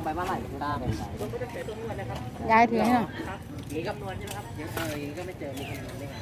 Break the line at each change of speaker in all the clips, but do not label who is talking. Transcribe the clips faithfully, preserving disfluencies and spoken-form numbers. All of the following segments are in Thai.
ไปเมื่อไหร่ได้
ยายถือให้หน่อย
อย่างนี้คำนวณใช่ไหมครับยังเอออย่างนี้ก็ไม่เจอมีคำนวณได้ไง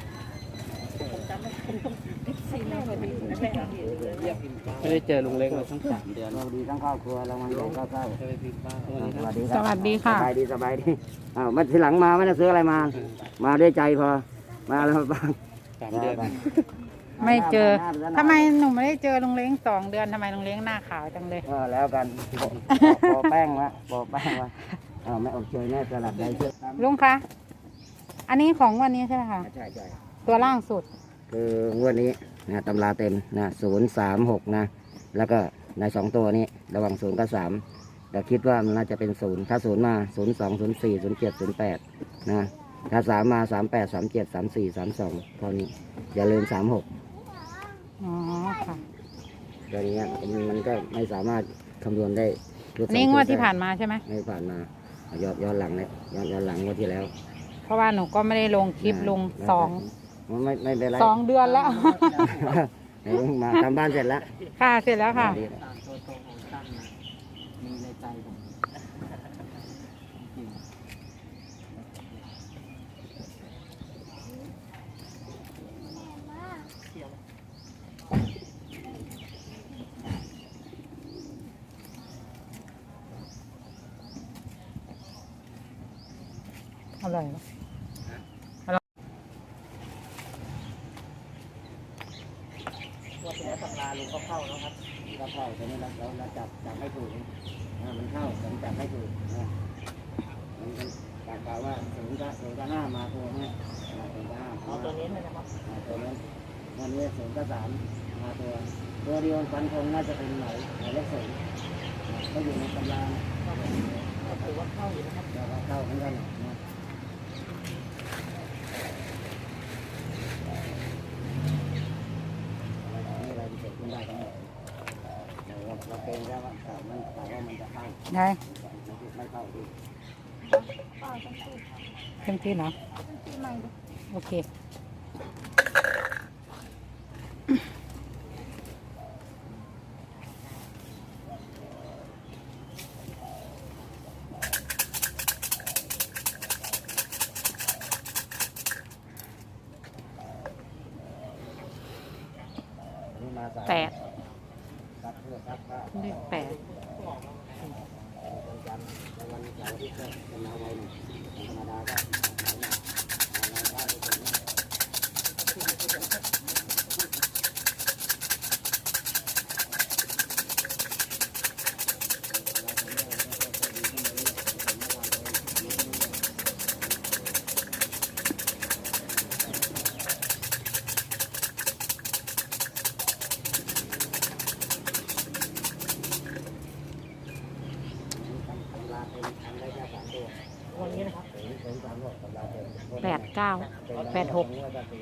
ไม่ได้เจอลุงเล็กมาตั้งสามเดือนสวัสดีทั้งครอบครัวเรามาเจอข้าวเช้าสวัสดีสวัสดี
สวัสดีค่ะ
สบายดีสบายดีอ้าวมาทีหลังมาไม่ได้ซื้ออะไรมามาด้วยใจพอมาแล้วบ้างสามเดือน
ไม่เจอทำไมหนูไม่ได้เจอลุงเล้งสองเดือนทำไมลุงเล้งหน้าขาวจังเลย
ก็แล้วกันปอแป้งวะปอแป้งวะอ้าวแม่อบเชยแม่สลัดได้เชื่อ
ลุงคะอันนี้ของวันนี้ใช่ไหมคะ
ใช่ใช่
ตัวล่างสุด
คืองวดนี้นะตำราเต็มนะศูนย์สามหกนะแล้วก็ในสองตัวนี้ระหว่างศูนย์กับสามแต่คิดว่ามันน่าจะเป็นศูนย์ถ้าศูนย์มาศูนย์สองศูนย์สี่ศูนย์เจ็ดศูนย์แปดนะถ้าสามมาสามแปดสามเจ็ดสามสี่สามสองเท่านี้อย่าลืมสามหก
อ๋อค่ะ
ตัวนี้มันก็ไม่สามารถคำนวณได้
นี่งวดที่ผ่านมาใช่ไหม
ไม่ผ่านมาย้อนย้อนหลังเลยย้อนย้อนหลังงวดที่แล้ว
เพราะว่าหนูก็ไม่ได้ลงคลิปลงสอง
ไม่ไม่เป็นไร
สองเดือนแล้ว
มาทำบ้านเสร็จแล้ว
ค่ะเสร็จแล้วค่ะ
มีในใจผม
อร่อย
ว่าตัวตำราลุงก็เข้าแล้วครับก็เข้าตอนนี้เราเราจับจับไม่ถูกมันเข้าแต่จับไม่ถูกนะมันจับกล่าวว่าศูนย์กับศูนย์กับห้ามาตัวนี้ศูนย์กับห้าเอาตัวนี้เลยนะครับตัวนี้วันนี้ศูนย์กับสามมาตัวตัวเดียวฟันคงน่าจะเป็นไหนไหนเลขศูนย์ก็อยู่ในตำราก็ถือว่าเข้าอยู่นะครับเข้าเหมือนกันนะเราเป็นแล้วว่ามันแต่ว่ามันจะเข้า
ได้
ไม่เข้าดี
เต็มที่เนาะโอเคแปดเลขแปดแปดเก้าแปดหก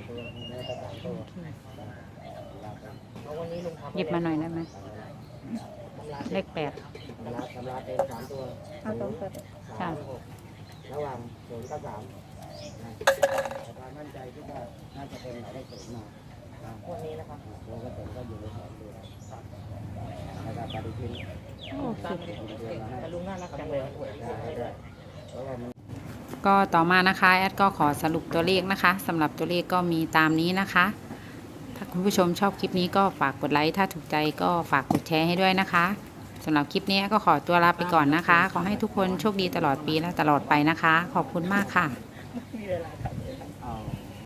หยิบมาหน่อยได้ไหมเลขแปด
ตำราตำราเป็นสามตัว
เอาตัวเปิดค่ะ
ระหว่างศูนย์กับสามความมั่นใจที่ว่าน่าจะเป็นหมายเลขศูนย์มาวันนี้นะครับตัวกระสุนก็อยู่ในสองตัวแล้วก็ปฏิทิน
โอ้สุด
ลุงน่ารักจังเลย
ก็ต่อมานะคะแอดก็ขอสรุปตัวเลขนะคะสำหรับตัวเลขก็มีตามนี้นะคะถ้าคุณผู้ชมชอบคลิปนี้ก็ฝากกดไลค์ถ้าถูกใจก็ฝากกดแชร์ให้ด้วยนะคะสำหรับคลิปนี้ก็ขอตัวลาไปก่อนนะคะขอให้ทุกคนโชคดีตลอดปีและตลอดไปนะคะขอบคุณมากค่ะ